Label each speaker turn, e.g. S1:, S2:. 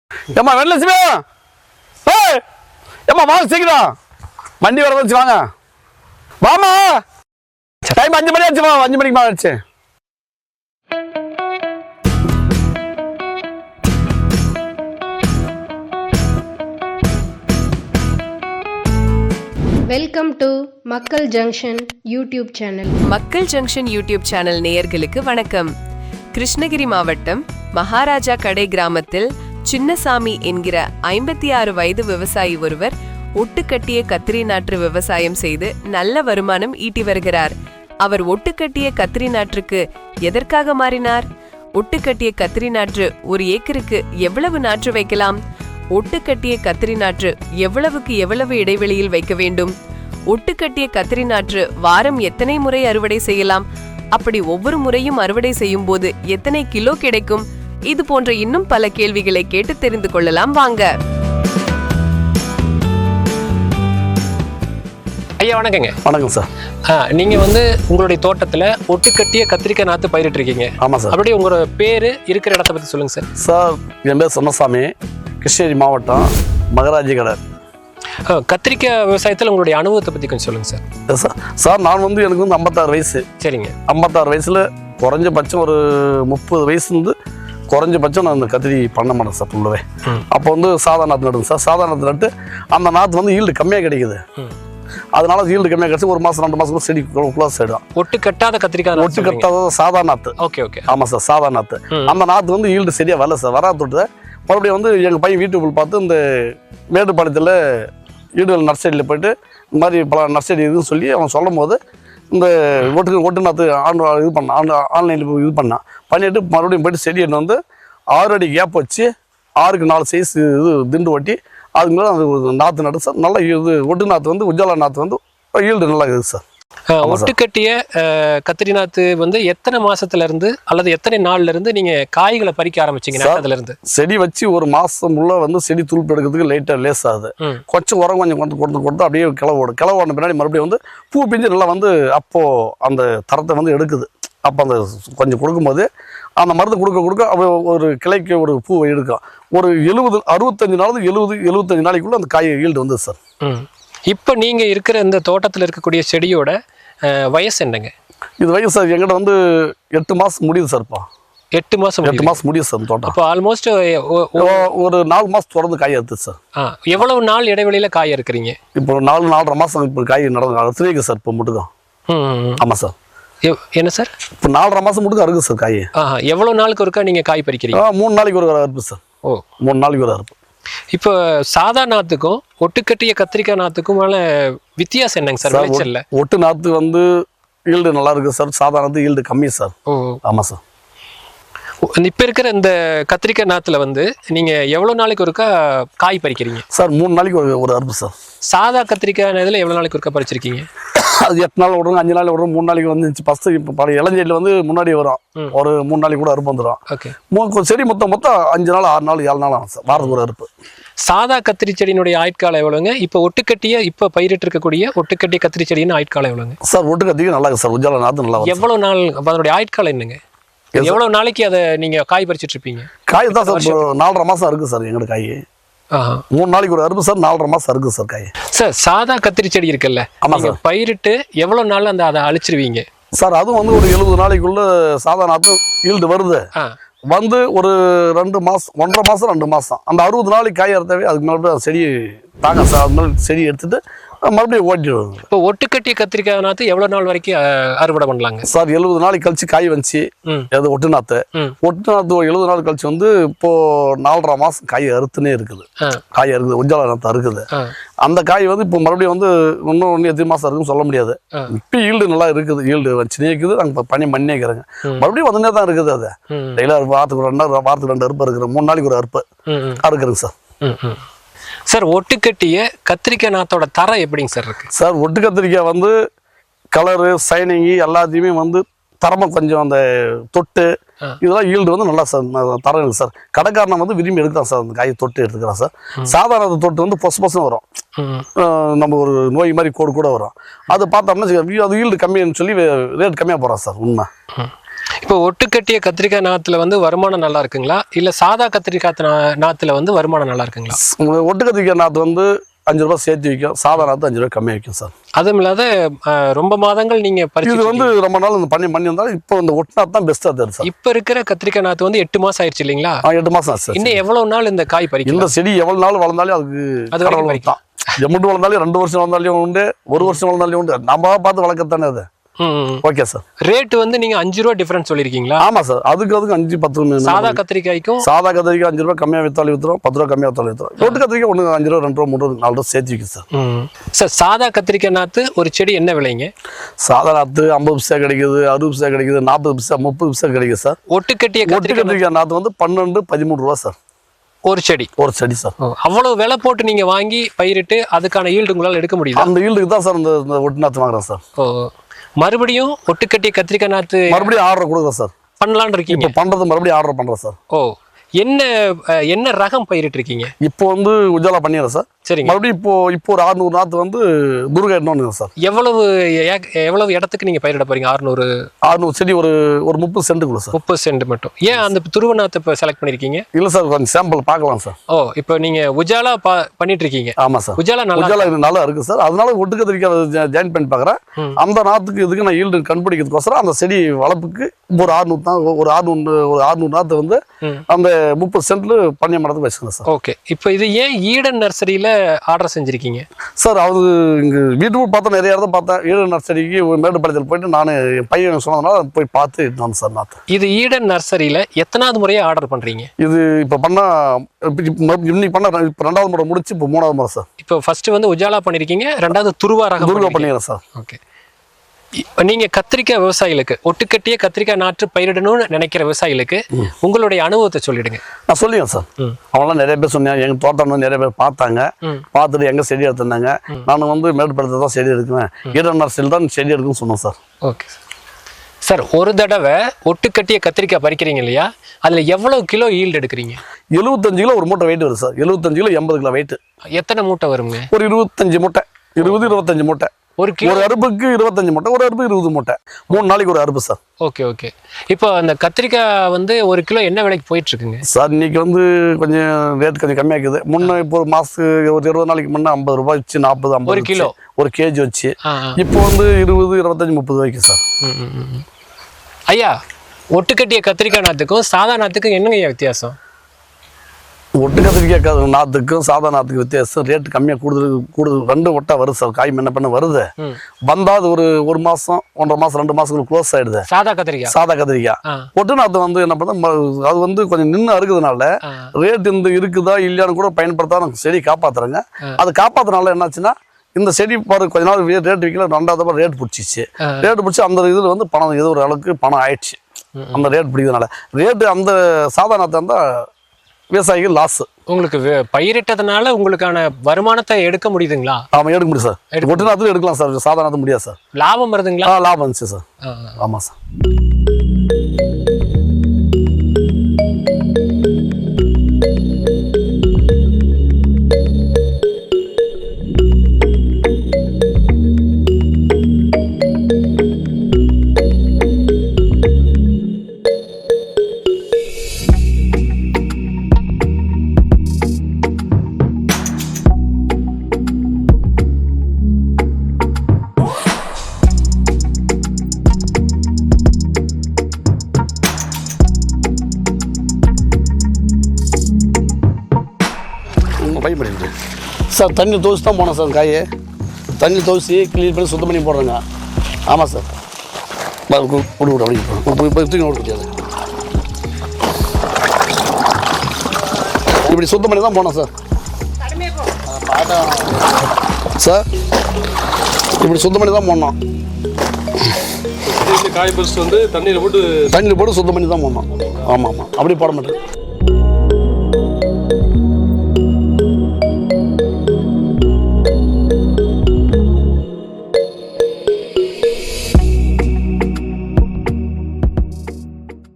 S1: ஏம்மா வெள்ளலட்சுமி, ஏய் ஏம்மா வாங்க சீக்கிரம், வண்டி வர வச்சு வாங்க. வாமா, டைம் 5 மணி ஆச்சுமா, 5 மணிக்கு மேலே ஆச்சு.
S2: Welcome to Makkal junction YouTube channel.
S3: Makkal junction YouTube channel நேயர்களுக்கு வணக்கம். கிருஷ்ணகிரி மாவட்டம் மகாராஜா கடை கிராமத்தில் சின்னசாமி என்கிற 56 வயது விவசாயி ஒருவர் ஒட்டுக்கட்டிய கத்திரி நாற்று விவசாயம் செய்து நல்ல வருமானம் ஈட்டி வருகிறார். அவர் ஒட்டுக்கட்டிய கத்திரி நாற்றுக்கு எதற்காக மாறினார்? ஒட்டுக்கட்டிய கத்திரி நாற்று ஒரு ஏக்கருக்கு எவ்வளவு நாற்று வைக்கலாம்? ஒட்டுக்கட்டிய கத்திரி நாற்று எவ்வளவுக்கு எவ்வளவு இடைவெளியில் வைக்க வேண்டும்? ஒட்டுக்கட்டிய கத்திரி நாற்று வாரம் எத்தனை முறை அறுவடை செய்யலாம்? அப்படி ஒவ்வொரு முறையும் அறுவடை செய்யும் போது எத்தனை கிலோ கிடைக்கும்? இது போன்ற இன்னும் பல கேள்விகளை கேட்டு தெரிந்து கொள்ளலாம் வாங்க.
S4: ஐயா வணக்கங்க.
S1: வணக்கம் சார்.
S4: நீங்க உங்களுடைய தோட்டத்துல ஒட்டுக்கட்டிய கத்திரிக்காய் நாத்து பயிரிட்டு இருக்கீங்க.
S1: ஆமா சார்.
S4: அப்படியே உங்களோட பேரு இருக்கிற இடத்த பத்தி சொல்லுங்க சார்.
S1: சார் என் பேர் சின்னசாமி, கிருஷ்ணகிரி மாவட்டம் மகாராஜா கடை.
S4: கத்திரிக்காய் விவசாயத்தில் உங்களுடைய அனுபவத்தை பற்றி கொஞ்சம் சொல்லுங்கள் சார்.
S1: சார் சார் நான் எனக்கு 56 வயசு.
S4: சரிங்க.
S1: 56 வயசில் குறைஞ்சபட்சம் ஒரு 30 வயசுலேருந்து குறைஞ்சபட்சம் நான் இந்த கத்திரி பண்ண மாட்டேன் சார் ஃபுல்லவே. அப்போ சாதா நாற்று நடுங்க சார். சாதா நாற்று நட்டு அந்த நாற்று ஈல்டு கம்மியாக கிடைக்குது. அதனால ஈல்டு கம்மியாக கிடைச்சி 1 மாதம் 2 மாதம் செடி க்ளோஸ் ஆகிடும்.
S4: ஒட்டு கட்டாத கத்திரிக்காய்,
S1: ஒட்டு கட்டாத சாதா நாற்று.
S4: Okay okay. ஆமாம்
S1: சார், சாதா நாற்று. அந்த நாற்று ஈல்டு சரியாக வரல சார். வராது தொட்டு மறுபடியும் எங்கள் பையன் வீட்டுக்குள் பார்த்து இந்த மேட்டுப்பாளையத்தில் ஈடுகள் நர்சரியில் போய்ட்டு இந்த மாதிரி பல நர்சரி இதுன்னு சொல்லி அவன் சொல்லும் போது இந்த ஒட்டு நாற்று இது பண்ணான், ஆன்லைனில் இது பண்ணிவிட்டு மறுபடியும் போய்ட்டு செடி எடுத்து 6 அடி கேப் வச்சு 6க்கு 4 சைஸ் இது திண்டு ஒட்டி அதுக்கு மேலே அந்த நாற்று நட்டு சார். நல்லா இது ஒட்டு நாற்று உஜாலா நாற்று ஈல்டு நல்லா இருக்குது சார்.
S4: ஒட்டுக்கட்டிய கத்திரி நாத்து எத்தனை மாசத்துல இருந்து அல்லது எத்தனை நாள்ல இருந்து நீங்க காய்களை பறிக்க ஆரம்பிச்சீங்க? அதுல இருந்து செடி
S1: வச்சு 1 மாசம் உள்ள செடி துளுப்பு எடுக்கிறதுக்கு லைட்டா லேஸ் ஆகுது. கொஞ்சம் உரம் கொஞ்சம் கொடுத்து அப்படியே கிளவு ஓடின பின்னாடி மறுபடியும் பூ பிஞ்சு நல்லா அப்போ அந்த தரத்தை எடுக்குது. அப்போ அந்த கொஞ்சம் கொடுக்கும்போது அந்த மருந்து கொடுக்க அப்போ ஒரு கிளைக்கு ஒரு பூ எடுக்கும். ஒரு 65 நாள் 75 நாளைக்குள்ள அந்த காய் ஈல்டு சார்.
S4: இப்போ நீங்க இருக்கிற இந்த தோட்டத்தில் இருக்கக்கூடிய செடியோட வயசு என்னங்க?
S1: இது வயசு சார் எங்கிட்ட 8 மாசம் முடியுது சார்ப்பா.
S4: 8 மாசம்
S1: முடியுது சார் தோட்டம்.
S4: அப்போ ஆல்மோஸ்ட்
S1: ஒரு 4 மாசம் தொடர்ந்து காய் எடுத்து சார்.
S4: எவ்வளவு நாள் இடைவெளியில காய் இருக்கிறீங்க?
S1: இப்போ 4.5 மாசம் இப்போ காய் நடந்து சார். இப்போ மட்டும். ஆமா சார்.
S4: என்ன சார்? இப்போ
S1: 4.5 மாசம் மட்டும் அறுக்கு சார் காய்.
S4: எவ்வளவு நாளுக்கு ஒருக்கா நீங்க காய் பறிக்கிறீங்க?
S1: 3 நாளைக்கு ஒரு அறுப்பு சார். 3 நாளைக்கு ஒரு அறுப்பு.
S4: இப்போ சாதா நாத்துக்கும் ஒட்டுக்கட்டிய கத்திரிக்காய் நாத்துக்குமான வித்தியாசம் என்னங்க சார் விளைச்சல்ல?
S1: ஒட்டு நாத்து ஈல்டு நல்லா இருக்கு சார். சாதா நாத்து ஈல்டு கம்மி சார். ஆமா சார்.
S4: இப்ப இருக்கிற இந்த கத்திரிக்காய் நாத்துல நீங்க எவ்வளவு நாளைக்கு ஒருக்கா காய் பறிக்கிறீங்க
S1: சார்? 3 நாளைக்கு ஒரு அறுப்பு சார்.
S4: சாதா கத்திரிக்காய் இதுல எவ்வளவு நாளைக்கு ஒருக்கா பறிச்சிருக்கீங்க?
S1: அது 8 நாள் விடுறோம், 5 நாள் விடுறோம், 3 நாளைக்கு வந்துச்சு. ஃபர்ஸ்ட் இப்போ பழைய இளஞ்செடியில் முன்னாடி வரும். ஒரு 3 நாளைக்கு கூட அறுப்பு வந்துடும். செடி மொத்தம் 5 நாள் 6 நாள் 7 நாள் ஆகும் சார் வாரத்துக்கு ஒரு அறுப்பு.
S4: சாதா கத்திரி செடியினுடைய ஆயுட்காலம் எவ்வளவுங்க? இப்போ ஒட்டுக்கட்டிய இப்போ பயிரிட்டு இருக்கக்கூடிய ஒட்டுக்கட்டிய கத்திரி செடியின் ஆயுட்காலம் எவ்வளவுங்க?
S1: சார் ஒட்டுக்கட்டிக்கு நல்லா இருக்கு சார். உஜாலா நாத்து நல்லா.
S4: எவ்வளவு நாள் அதனுடைய ஆயுட்காலம் என்னங்க? எவ்வளவு நாளைக்கு அதை நீங்க காய் பறிச்சிட்டு இருப்பீங்க?
S1: காய் தான் சார் 4.5 மாசம் இருக்கு சார் எங்களுக்கு காய். 3 நாளைக்கு ஒரு அறுப்பு சார். 4.5 மாசம் இருக்கு சார் காய். சார்
S4: சாதா கத்திரி செடி இருக்குல்ல, நீங்க பயிரிட்டு எவ்வளவு நாள் அதை அழிச்சிருவீங்க
S1: சார்? அதுவும் ஒரு 70 நாளைக்குள்ள சாதா நாத்து ஈல்டு வருது. ஒரு 2 மாசம் 1.5 மாசம் 2 மாசம் அந்த 60 நாளைக்கு காய் அறுத்தாவே அதுக்கு மேலே செடி தாங்க சார். அது மேலே செடி எடுத்துட்டு மறுபடியும் ஓட்டிடுவோம்.
S4: இப்போ ஒட்டுக்கட்டிய கத்திரிக்காய் நாத்து எவ்வளவு நாள் வரைக்கும் அறுவடை பண்ணலாங்க
S1: சார்? 70 நாளைக்கு கழிச்சு காய் வந்துச்சு. அது ஒட்டு நாத்து 70 நாள் கழிச்சு இப்போ 4.5 மாசம் காய் அறுத்துனே இருக்குது. காய் அறுக்குது, உஜாலா நாத்து அறுக்குது. அந்த காய் இப்போ மறுபடியும் இன்னும் எத்தனை மாசம் இருக்குன்னு சொல்ல முடியாது. இப்போ ஈல்டு நல்லா இருக்குது. ஈல்டு வச்சுனே இருக்குது. நாங்கள் பண்ணி இருக்கிறேங்க. மறுபடியும் வந்துனே தான் இருக்குது. அது டெய்லி வாரத்துக்கு 2 அறுப்பு இருக்கிற 3 நாளைக்கு ஒரு அறுப்பு அறுக்குறேங்க சார்.
S4: சார் ஒட்டுக்கட்டிய கத்திரிக்காய் நாத்தோட தரம் எப்படிங்க சார் இருக்கு?
S1: சார் ஒட்டு கத்திரிக்காய் கலரு சைனிங்கு எல்லாத்தையுமே தரமாக கொஞ்சம் அந்த தொட்டு இதெல்லாம் ஈல்டு நல்லா சார் தரம் இருக்குது சார். கடைக்காரனை விரும்பி எடுக்கிறான் சார். அந்த காயை தொட்டு எடுத்துக்கிறான் சார். சாதாரண தொட்டு பொசுன்னு வரும். நம்ம ஒரு நோய் மாதிரி கோடு கூட வரும். அதை பார்த்தோம்னா அது ஈல்டு கம்மின்னு சொல்லி ரேட் கம்மியாக போகிறான் சார். உண்மை
S4: இப்போ ஒட்டுக்கட்டிய கத்திரிக்காய் நாத்துல வந்து வருமானம் நல்லா இருக்குங்களா இல்ல சாதா கத்திரிக்காய் நாத்துல வந்து வருமானம் நல்லா இருக்குங்களா?
S1: ஒட்டு கத்திரிக்காய் நாற்று வந்து 5 ரூபாய் சேர்த்து விற்கும், சாதா நாற்று 5 ரூபாய் கம்மியாக விற்கும் சார்.
S4: அதுவும் இல்லாத ரொம்ப மாதங்கள் நீங்க
S1: இது
S4: பறிச்சு
S1: வந்து ரொம்ப நாள் இந்த பண்ணி வந்தாலும் இப்போ இந்த ஒட்டு நாற்று தான் பெஸ்ட்டாக தருது சார்.
S4: இப்ப இருக்கிற கத்திரிக்காய் நாத்து வந்து 8 மாசம் ஆயிடுச்சு இல்லைங்களா?
S1: 8 மாதம் ஆச்சு சார்.
S4: இன்னும் எவ்வளவு நாள் இந்த காய் பறிக்கும்?
S1: இந்த செடி எவ்வளவு நாள் வளர்ந்தாலும்
S4: அது வரைக்கும்
S1: அதுக்கு தான். எம்மட்டு வளர்ந்தாலும் 2 வருஷம் வளர்ந்தாலும் உண்டு, 1 வருஷம் வளர்ந்தாலும் உண்டு. நம்ம பார்த்து வளர்க்கத்தானே அது. Okay sir.
S4: ரேட் வந்து நீங்க 5 ரூபாய் டிஃபரன்ஸ் சொல்லிருக்கீங்களா?
S1: ஆமா சார். அதுக்கு 5-10
S4: சாதா கத்திரிக்காய்க்கும்
S1: சாதா கத்திரிக்காய் 5 ரூபாய் கம்மியாக வித்தாலும் வித்துரும், 10 ரூபாய் கம்மியாக வித்தாலும் வித்துரும். ஒட்டு கத்திரிக்காய் 1 5 ரூபா 2 ரூபா 3 ரூபா 4 ரூபா சேர்த்து விற்கும் சார்.
S4: சார் சாதா கத்திரிக்காய் நாத்து ஒரு செடி என்ன விலைங்க?
S1: சாதா நாற்று 50 பைசா கிடைக்குது, 60 பைசா கிடைக்குது, 40 பைசா 30 பைசா கிடைக்குது சார்.
S4: ஒட்டுக்கட்டிய
S1: ஒட்டு கத்திரிக்காய் நாற்று வந்து 12-13 ரூபா சார்
S4: ஒரு செடி.
S1: சார்.
S4: அவ்வளவு விலை போட்டு நீங்க வாங்கி பயிரிட்டு அதுக்கான ஈல்டு உங்களால எடுக்க முடியுது?
S1: அந்த ஈல்டுக்கு தான் சார் இந்த ஒட்டு நாற்று வாங்குறேன் சார்.
S4: மறுபடியும் ஒட்டுக்கட்டிய கத்திரிக்காய் நாத்து
S1: மறுபடியும் ஆர்டர் கொடுக்குறேன் சார்.
S4: பண்ணலான்னு இருக்கீங்க?
S1: இப்போ பண்றது மறுபடியும் ஆர்டர் பண்றேன் சார்.
S4: என்ன ரகம் பயிரிட்டு இருக்கீங்க?
S1: இப்போ வந்து உஜாலா பண்ணிடுறேன் சார்.
S4: சரிங்க.
S1: மறுபடியும் இப்போ ஒரு 600 நாற்று வந்து துர்கா எண்ணம் சார்.
S4: எவ்வளவு இடத்துக்கு நீங்க பயிரிட போறீங்க?
S1: 600 செடி ஒரு 30 சென்ட்டுக்குள்ள சார்.
S4: 30 சென்ட் மட்டும். ஏன் அந்த துருவ நாத்தை இப்போ செலக்ட் பண்ணிருக்கீங்க?
S1: இல்ல சார், கொஞ்சம் சாம்பிள் பார்க்கலாம் சார்.
S4: இப்போ நீங்க உஜாலா பண்ணிட்டு இருக்கீங்க?
S1: ஆமா சார்.
S4: உஜாலா
S1: நல்லா இருக்கு சார். அதனால ஒட்டு கத்திரிக்காய் ஜாயின் பண்ணி பார்க்குறேன். அந்த நாத்துக்கு இதுக்கு நான் ஈல்டு கண்டுபிடிக்கிறதுக்கோசரம் அந்த செடி வளர்ப்புக்கு ஒரு 600 நாற்று வந்து அந்த 30 சென்ட்ல பண்ணி மரத்துக்கு வச்சுக்கணும் சார்.
S4: ஓகே. இப்போ இது ஏன் ஈடன் நர்சரியில ஆர்டர் செஞ்சிருக்கீங்க
S1: சார்? அது இங்க வீட்டுக்கு பார்த்தா நிறைய இடத்த பார்த்தேன். ஈடன் நர்சரிக்கு மேட்டுப்பாளையத்தில் போயிட்டு நான் என் பையன் சொன்னதுனால போய் பார்த்து வந்தேன் சார் நாற்று.
S4: இது ஈடன் நர்சரியில எத்தனாவது முறையா ஆர்டர் பண்றீங்க?
S1: இது இப்போ பண்ணா இன்னைக்கு பண்ண இப்போ 2வது முறை முடிச்சு இப்போ 3வது முறை சார்.
S4: இப்போ ஃபர்ஸ்ட் வந்து உஜாலா பண்ணிருக்கீங்க, 2வது துருவா
S1: பண்ணிடுறேன் சார்.
S4: ஓகே. நீங்க கத்திரிக்காய் விவசாயிகளுக்கு ஒட்டுக்கட்டிய கத்திரிக்காய் நாற்று பயிரிடணும்னு நினைக்கிற விவசாயிகளுக்கு உங்களுடைய அனுபவத்தை சொல்லிடுங்க.
S1: நான் சொல்லிடுறேன் சார். அவங்களாம் நிறைய பேர் சொன்னாங்க, எங்க தோட்டம் வந்து நிறைய பேர் பார்த்தாங்க, பார்த்துட்டு எங்க செடி எடுத்திருந்தாங்க. நான் வந்து மேட்டுப்பாளையத்தை தான் செடி எடுக்குவேன், ஈடன் நர்சரியில் தான் செடி எடுக்குன்னு சொன்னேன் சார்.
S4: Okay sir. ஒரு தடவை ஒட்டுக்கட்டிய கத்திரிக்காய் பறிக்கிறீங்க இல்லையா, அதுல எவ்வளவு கிலோ ஈல்டு எடுக்கிறீங்க?
S1: 75 கிலோ ஒரு மூட்டை வெயிட் வருது சார். 75 kilo 80 kilo weight.
S4: எத்தனை மூட்டை வருங்க?
S1: ஒரு 25 மூட்டை, 20-25 மூட்டை. ஒரு அறுப்புக்கு 25 மூட்டை, ஒரு அறுப்பு 20 மூட்டை, 3 நாளைக்கு ஒரு அறுப்பு சார்.
S4: ஓகே. இப்போ அந்த கத்திரிக்காய் வந்து ஒரு கிலோ என்ன விலைக்கு போயிட்டு இருக்குங்க
S1: சார்? இன்னைக்கு வந்து கொஞ்சம் ரேட் கொஞ்சம் கம்மியாக்குது. முன்ன இப்போ ஒரு மாசத்துக்கு ஒரு 20 நாளைக்கு முன்னே 50 ரூபாய் வச்சு 40-50
S4: ஒரு கிலோ
S1: ஒரு கேஜி வச்சு. இப்போ வந்து 20-25-30 ரூபாய்க்கு சார்.
S4: ஐயா, ஒட்டுக்கட்டிய கத்திரிக்காய் நாத்துக்கும் சாதா நாத்துக்கும் என்னங்க வித்தியாசம்?
S1: ஒட்டு கத்திரிக்காய் நாற்றுக்கும் சாதா நாற்றுக்கு வித்தியாசம். ரேட்டு கம்மியாக கூடுதல் 2 ஒட்டா வருது சார். காய் என்ன பண்ண வருது வந்தா அது ஒரு மாசம் 1.5 மாசம் 2 மாசத்துக்கு க்ளோஸ் ஆயிடுது சாதா கத்திரிக்காய். ஒட்டு நாற்று வந்து என்ன பண்ண அது வந்து கொஞ்சம் நின்று அறுக்குதுனால ரேட் இருக்குதா இல்லையான்னு கூட பயன்படுத்தா நமக்கு செடி காப்பாத்துறாங்க. அது காப்பாத்துனால என்னாச்சுன்னா இந்த செடி பாரு கொஞ்ச நாள் ரேட் விற்கல, 2வது ரேட் பிடிச்சிச்சு. ரேட் பிடிச்சி அந்த இதில் வந்து பணம் ஏதோ ஒரு அளவுக்கு பணம் ஆயிடுச்சு. அந்த ரேட் பிடிக்கிறதுனால ரேட்டு அந்த சாதா நாற்று இருந்தால் விவசாயிகள் லாஸ்.
S4: உங்களுக்கு பயிரிட்டதுனால உங்களுக்கான வருமானத்தை எடுக்க முடியுதுங்களா?
S1: ஆமா, எடுக்க முடியும் சார். ஒட்டு நாற்று எடுக்கலாம் சார், சாதா நாற்று முடியாது சார்.
S4: லாபம் வருதுங்களா?
S1: லாபம் வந்துச்சு சார். ஆமா சார். சார் தண்ணி துவச்சி தான் போனோம் சார். காயை தண்ணி துவச்சி க்ளீன் பண்ணி சுத்தம் பண்ணி போடுறேங்க. ஆமாம் சார். கொடுக்க அப்படி தூக்கி ஓட முடியாது. இப்படி சுத்தம் பண்ணி தான் போனோம் சார். சார் இப்படி சுத்தம் பண்ணி தான் போனோம்.
S5: காய் பறிச்சுட்டு வந்து தண்ணியில் போட்டு
S1: சுத்தம் பண்ணி தான் போனோம். ஆமாம், அப்படி போட மாட்டேன்.